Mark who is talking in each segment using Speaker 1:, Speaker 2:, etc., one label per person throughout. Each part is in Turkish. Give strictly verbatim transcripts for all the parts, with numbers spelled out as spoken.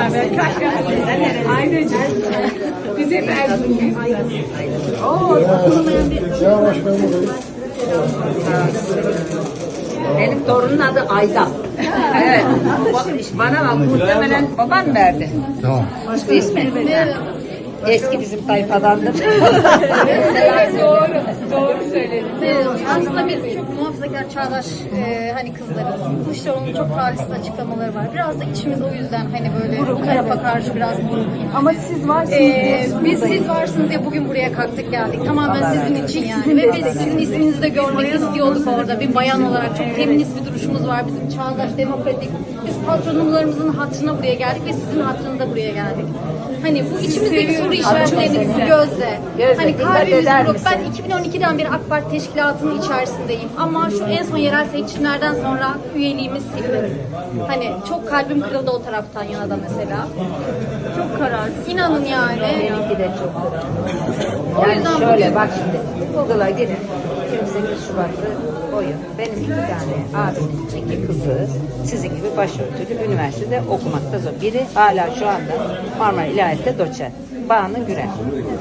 Speaker 1: Aynıcık. Biz hep Erzurumluyuz. Oo,
Speaker 2: Ya başkanım.
Speaker 3: Benim torunun adı Ayda. Evet. Bana bak, muhtemelen baban verdi.
Speaker 2: Tamam.
Speaker 3: İşte ismi. Eski bizim tayfadandır.
Speaker 1: doğru, doğru söyledin.
Speaker 4: Aslında biz çok muhafazakar, çağdaş e, hani kızlarız. Kılıçdaroğlu'nun çok talihsiz açıklamaları var. Biraz da içimiz o yüzden hani böyle bu tarafa karşı biraz buruk.
Speaker 1: Ama siz varsınız
Speaker 4: Ee,
Speaker 1: diye.
Speaker 4: biz siz varsınız diye bugün buraya kalktık geldik. Tamamen sizin için yani. Ve biz sizin isminizi de görmek istiyorduk orada. Bir bayan olarak çok feminist bir duruşumuz var. Bizim çağdaş, demokratik. Biz patronlarımızın hatırına buraya geldik ve sizin hatırınıza buraya geldik. Hani bu içimizdeki soru işaretlerini bu gözle.
Speaker 3: Gözle,
Speaker 4: Hani
Speaker 3: dikkat
Speaker 4: kalbimiz
Speaker 3: eder
Speaker 4: buruk.
Speaker 3: misin?
Speaker 4: Ben iki bin on ikiden beri AK Parti teşkilatının içerisindeyim. Ama şu en son yerel seçimlerden sonra üyeliğimiz sildi. Hani çok kalbim kırıldı o taraftan yana da mesela. Çok kararsız. İnanın yani.
Speaker 3: Benimki de çok
Speaker 4: O
Speaker 3: Yani
Speaker 4: yüzden
Speaker 3: şöyle
Speaker 4: bugün-
Speaker 3: bak şimdi, Google'a girin. yirmi sekiz Şubat'ı koyun. Benim iki tane abimin iki kızı sizin gibi başörtülü üniversitede okumakta zor. Biri hala şu anda Marmara İlahiyat'ta doçent. Banu Gürel.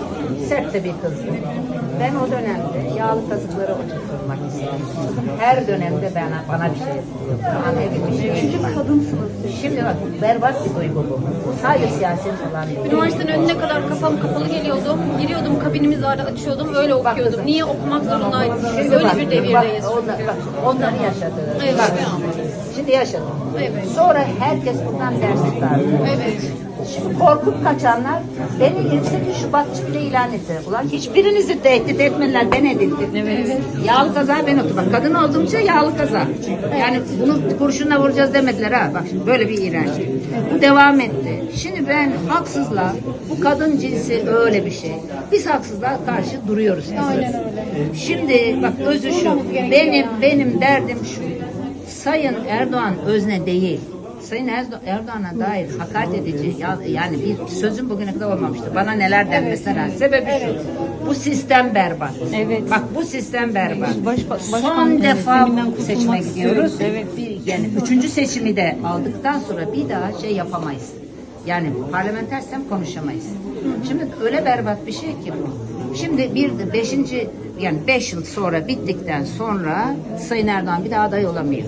Speaker 3: Sert de bir kızdı. Ben o dönemde yağlı kazıkları oturtmak istedim. Her dönemde bana, bana bir şey yapıyor. Bana bir şey
Speaker 1: Üçüncü
Speaker 3: yapıyor.
Speaker 1: kadınsınız.
Speaker 3: Şimdi bak, berbat bir duygu bu. Bu sadece siyasi olan bir duygu.
Speaker 4: Üniversitenin önüne kadar kafam kapalı geliyordum. Giriyordum, kabinimiz vardı, açıyordum, öyle okuyordum. Niye okumak zorundaydım?
Speaker 3: Şimdi
Speaker 4: Öyle
Speaker 3: bak,
Speaker 4: bir
Speaker 3: bak,
Speaker 4: devirdeyiz.
Speaker 3: onlar, bak, onları yaşadı.
Speaker 4: Evet.
Speaker 3: Bak, şimdi yaşadım.
Speaker 4: Evet.
Speaker 3: Sonra herkes bundan ders çıkardı.
Speaker 4: Evet.
Speaker 3: Şimdi korkup kaçanlar beni yirmi sekiz Şubatçı bile ilan ettiler. Ulan hiçbirinizi tehdit etmediler, ben edildim. Evet. Yağlı kaza ben oldum. Bak, kadın olduğumca yağlı kaza. Yani bunu kurşunla vuracağız demediler ha. Bak şimdi böyle bir iğrenç. Bu devam etti. Şimdi ben haksızlığa, bu kadın cinsi öyle bir şey. Biz haksızlığa karşı duruyoruz.
Speaker 4: Aynen öyle.
Speaker 3: Şimdi bak, özü şu. Benim benim derdim şu. Sayın Erdoğan özne değil. Sayın Erdo- Erdoğan'a dair hakaret edici ya- yani bir sözüm bugüne kadar olmamıştı. Bana neler denmesine rağmen. Sebebi şu. Bu sistem berbat.
Speaker 1: Evet.
Speaker 3: Bak, bu sistem berbat.
Speaker 1: Baş- başkan
Speaker 3: Son defa
Speaker 1: sisteminden
Speaker 3: bu
Speaker 1: kurtulmak
Speaker 3: seçime gidiyoruz.
Speaker 1: istiyoruz. Evet.
Speaker 3: Bir, yani üçüncü seçimi de aldıktan sonra bir daha şey yapamayız. Yani parlamenter sistem konuşamayız. Şimdi öyle berbat bir şey ki bu. Şimdi bir de beşinci yani beş yıl sonra bittikten sonra Sayın Erdoğan bir daha aday olamıyor.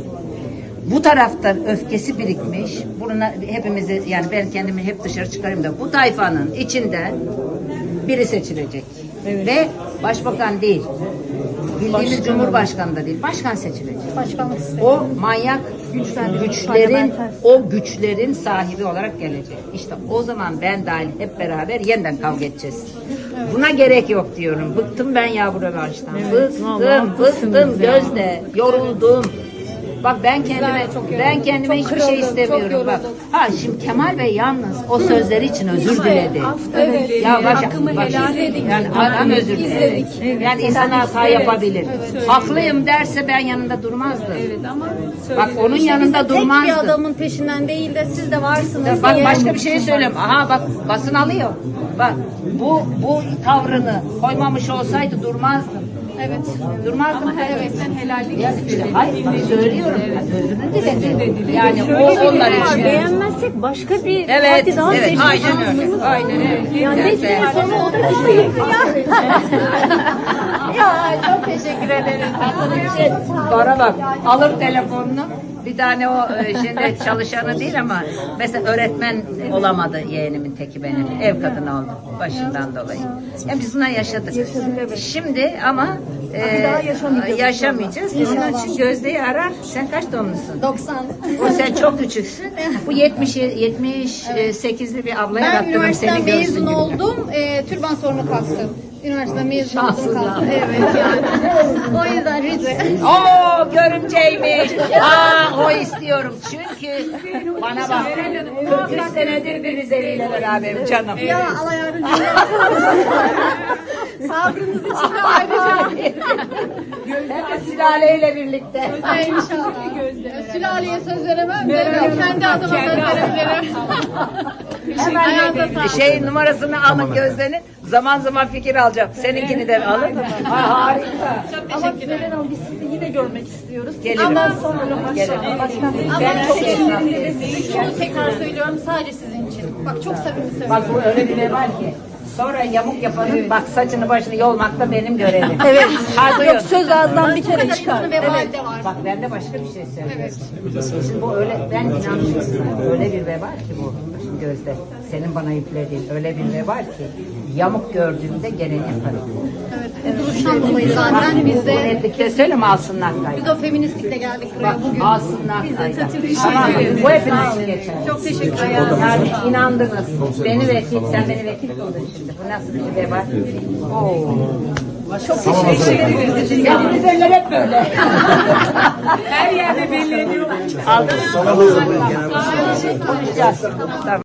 Speaker 3: Bu tarafta öfkesi birikmiş. Buna hepimizi, yani ben kendimi hep dışarı çıkarayım da, bu tayfanın içinde biri seçilecek. Ve başbakan değil. Bildiğimiz
Speaker 1: Başkan.
Speaker 3: Cumhurbaşkanı da değil. Başkan seçilecek.
Speaker 4: Başkanlık sistemi.
Speaker 3: O manyak güçlerin, o güçlerin sahibi olarak gelecek. İşte o zaman ben dahil hep beraber yeniden kavga edeceğiz. Buna gerek yok diyorum. Bıktım ben ya bu rövanştan.
Speaker 1: vallahi
Speaker 3: Bıktım,
Speaker 1: haklısınız
Speaker 3: bıktım
Speaker 1: ya.
Speaker 3: Gözde. Yoruldum. Bak, ben kendime
Speaker 4: çok yoruldum.
Speaker 3: ben kendime
Speaker 4: Çok
Speaker 3: hiçbir şey
Speaker 4: kırıldım,
Speaker 3: istemiyorum.
Speaker 4: çok
Speaker 3: Bak.
Speaker 4: yoruldum.
Speaker 3: Ha, şimdi Kemal Bey yalnız o sözleri için özür diledi.
Speaker 1: Evet.
Speaker 3: Ya bak,
Speaker 1: Hakkımı
Speaker 3: bak,
Speaker 1: helal edin.
Speaker 3: yani adam özür diledi.
Speaker 1: Evet.
Speaker 3: Yani insan hata yapabilir. Haklıyım derse ben yanında durmazdım.
Speaker 1: Evet ama
Speaker 3: Bak, onun
Speaker 4: İşte biz de
Speaker 3: yanında
Speaker 4: tek bir
Speaker 3: durmazdım.
Speaker 4: adamın peşinden değil de siz de varsınız
Speaker 3: Bak,
Speaker 4: diye.
Speaker 3: başka bir şey söyleyeyim. Aha bak, basın alıyor. Bak, bu bu tavrını koymamış olsaydı durmazdım.
Speaker 4: Evet.
Speaker 3: Durmazdım.
Speaker 1: ama evet sen helallik
Speaker 3: Ya işte,
Speaker 1: istedin.
Speaker 3: hayır bak, söylüyorum. Özrünü diledi. Yani
Speaker 1: Şöyle
Speaker 3: o
Speaker 1: bir durum
Speaker 3: onlar
Speaker 1: var,
Speaker 3: için.
Speaker 1: Beğenmezsek başka bir
Speaker 3: Evet,
Speaker 1: parti daha
Speaker 3: evet,
Speaker 1: seçme
Speaker 3: aynen
Speaker 1: şansımız
Speaker 3: öyle.
Speaker 1: var.
Speaker 3: Aynen öyle.
Speaker 1: Yani beş sene sonra o da şey
Speaker 3: Ya çok teşekkür ederim. Bana bak, alır telefonunu. Bir tane o e, şimdi çalışanı değil ama mesela öğretmen olamadı yeğenimin teki benim. Ev kadını oldu başından dolayı. Yani biz buna yaşadık. Şimdi ama e, yaşamayacağız. Onun için Gözde'yi arar. Sen kaç doğumlusun?
Speaker 4: doksan.
Speaker 3: O sen çok küçüksün. Bu yetmiş yetmiş sekizli bir ablaya
Speaker 4: Ben
Speaker 3: baktırdım
Speaker 4: üniversiteden
Speaker 3: seni görsün
Speaker 4: mezun
Speaker 3: gibi.
Speaker 4: oldum. E, türban sonra kalktım. Üniversiteden mezun oldum
Speaker 3: Şanssız
Speaker 4: kalktım.
Speaker 3: ya.
Speaker 4: Evet yani. O yüzden Rize.
Speaker 3: Oo, görümceymiş. Aa, o istiyorum. Çünkü bana bak, kırk üç senedir bir Rizeli'yle beraberim canım.
Speaker 4: Ya Allah yardımcı Sabrınız için de ayrıca.
Speaker 3: Hep sülaleyle birlikte.
Speaker 4: Ay, İnşallah. Sülaleye söz veremem de kendi adıma söz verebilirim.
Speaker 3: Hemen
Speaker 4: Ayağınıza sağlık.
Speaker 3: şey numarasını alın Gözde'nin. Zaman zaman fikir alacağım. Seninkini de alın. Ha, harika.
Speaker 1: Ama Sibel Hanım biz sizi yine görmek istiyoruz.
Speaker 3: Gelirim.
Speaker 1: Ama sonra
Speaker 3: Gelirim.
Speaker 1: başkan
Speaker 3: Ben çok esnaflıyım.
Speaker 4: Şunu tekrar söylüyorum sadece sizin için. Bak çok samimi söylüyorum.
Speaker 3: Bak bu öyle bir ne var ki. Sonra yamuk yapanın bak saçını başını yolmak da benim görevim.
Speaker 1: Evet.
Speaker 3: Hadi
Speaker 1: Yok söz ağızdan bir kere
Speaker 4: Fakat
Speaker 1: çıkar.
Speaker 4: insanın vebali de var.
Speaker 3: Bak ben de başka bir şey söyleyeyim. Şimdi bu öyle, ben inanıyorum. Öyle bir veba ki bu. Şimdi Gözde, senin bana yüklediğin öyle bir veba ki yamuk gördüğümde gene yaparım.
Speaker 4: Evet. Bu duruştan dolayı zaten biz
Speaker 3: Bu
Speaker 4: de
Speaker 3: netlikle söyleme alsınlar kaydı.
Speaker 4: biz o feministlikle geldik buraya
Speaker 3: Bak
Speaker 4: bugün.
Speaker 3: alsınlar
Speaker 4: Biz de
Speaker 3: kaydı.
Speaker 4: teşekkür
Speaker 3: Tamam,
Speaker 4: ederiz.
Speaker 3: bu hepiniz geçer.
Speaker 4: Çok teşekkür ederim.
Speaker 3: Yani inandınız. Beni vekil, sen beni vekil kıldın şimdi. Bu nasıl bir veba? Oo. Çok teşekkür ederim. Ya bu güzeller hep böyle. Her yerde belli ediyorlar. Aldınız mı? Konuşacağız. Tamam.